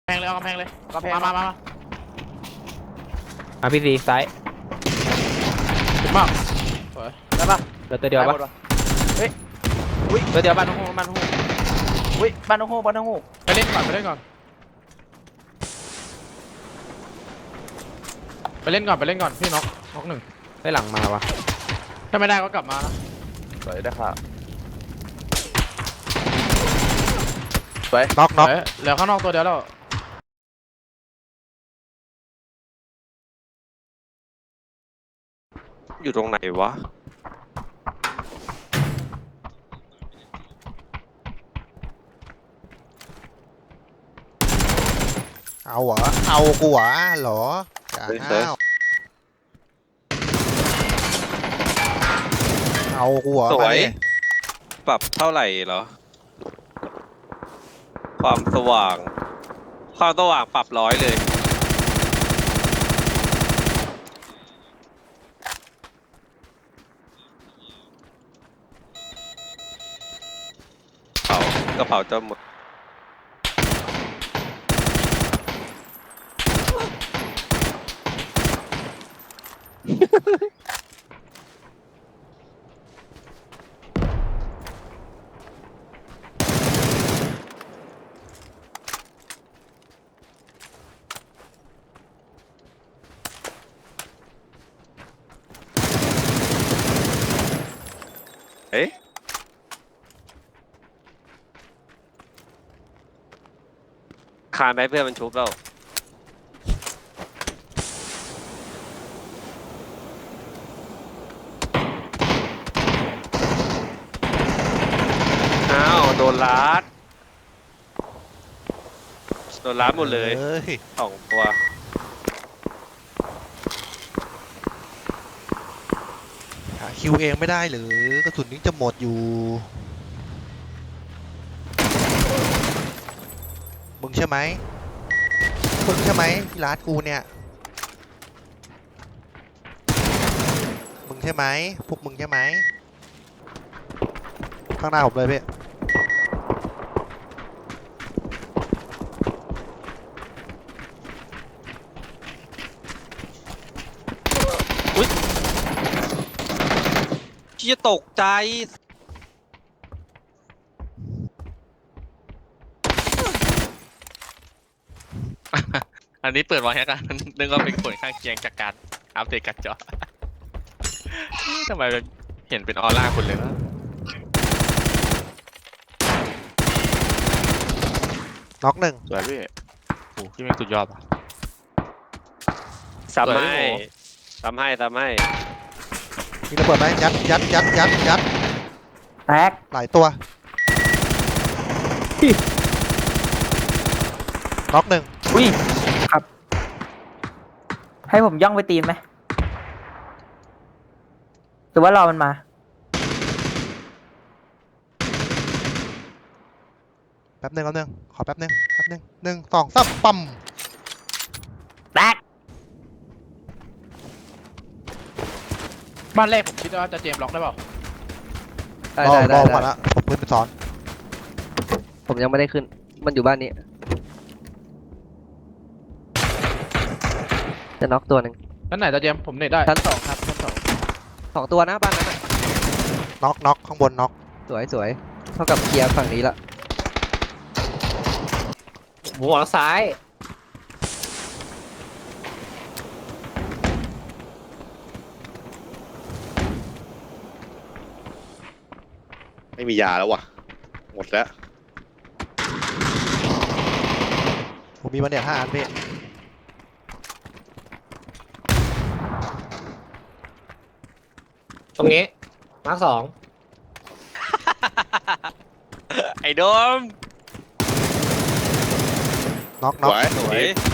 แพงเลยเอากำแพงเลยกำแพงมาพี่ซีซ้ายถึงมากสวยได้ปะเหลือตัวเดียวได้หปะมดเฮ้ยอุ้ยตัวเดียวบ้านน้องโฮบ้านน้องโฮอุ้ยบ้านน้องโฮบ้านน้องโฮไปเล่นก่อนไปเล่นก่อนไปเล่นก่อนไปเล่นก่อนพี่น็อกหนึ่งได้หลังมาวะถ้าไม่ได้ก็กลับมานะสวยได้ค่ะสวยน็อกน็อกเอ้ยเหลือข้างนอกตัวเดียวแล้วอยู่ตรงไหนวะเอาเหรอเอากูเหรอเหรออย่าห้าวเอากูเหรอสวยมาดิปรับเท่าไหร่เหรอ ความสว่าง ความสว่างปรับ100เลย กระเป๋าจะหมด เอ๊ะคานไปเพื่อนมันชุบแล้วอ้าวโดนลัดหมดเลยอ้ย 2 ตัวหาคิวเองไม่ได้หรือกระสุนนี้จะหมดอยู่มึงใช่ไหมมึงใช่ไหมที่ร้านกูเนี่ยมึงใช่ไหมพวกมึงใช่ไหมข้างหน้าผมเลยพี่ที่จะตกใจอันนี้เปิดไว้แล้วกัน นึกว่าเป็นผลข้างเคียงจากการอัปเดตการ์ดจอ ทำไมเห็นเป็นออร่าคุณเลยวะน็อกหนึ่งสวยพี่โอ้พี่แม่งสุดยอดอ่ะซ้ำสวยให้พี่โหซ้ำให้มีระเบิดไหมยัดแตกหลายตัวน็อกหนึ่งอุ้ยครับ ให้ผมย่องไปตีนไหมหรือว่ารอมันมาแป๊บหนึ่งขอแป๊บหนึ่ง1 2 3ปั๊มแตกบ้านแรกผมคิดว่าจะเจมส์ล็อกได้เปล่ารอก่อนละผมขึ้นไปสอนผมยังไม่ได้ขึ้น มันอยู่บ้านนี้ จะน็อกตัวหนึ่งนั่นไหนจะเจมส์ผมเน็ตได้ชั้น 2ครับชั้น 2 ตัวนะบ้านนั้นน่ะน็อกข้างบนน็อกสวยเท่ากับเคลียร์ฝั่งนี้ละหัวซ้ายไม่มียาแล้วว่ะ หมดแล้วผมมีบันเดีย5 อันพี่ตรงนี้มาร์ค 2 ไอ้โดมน็อกสวยสวย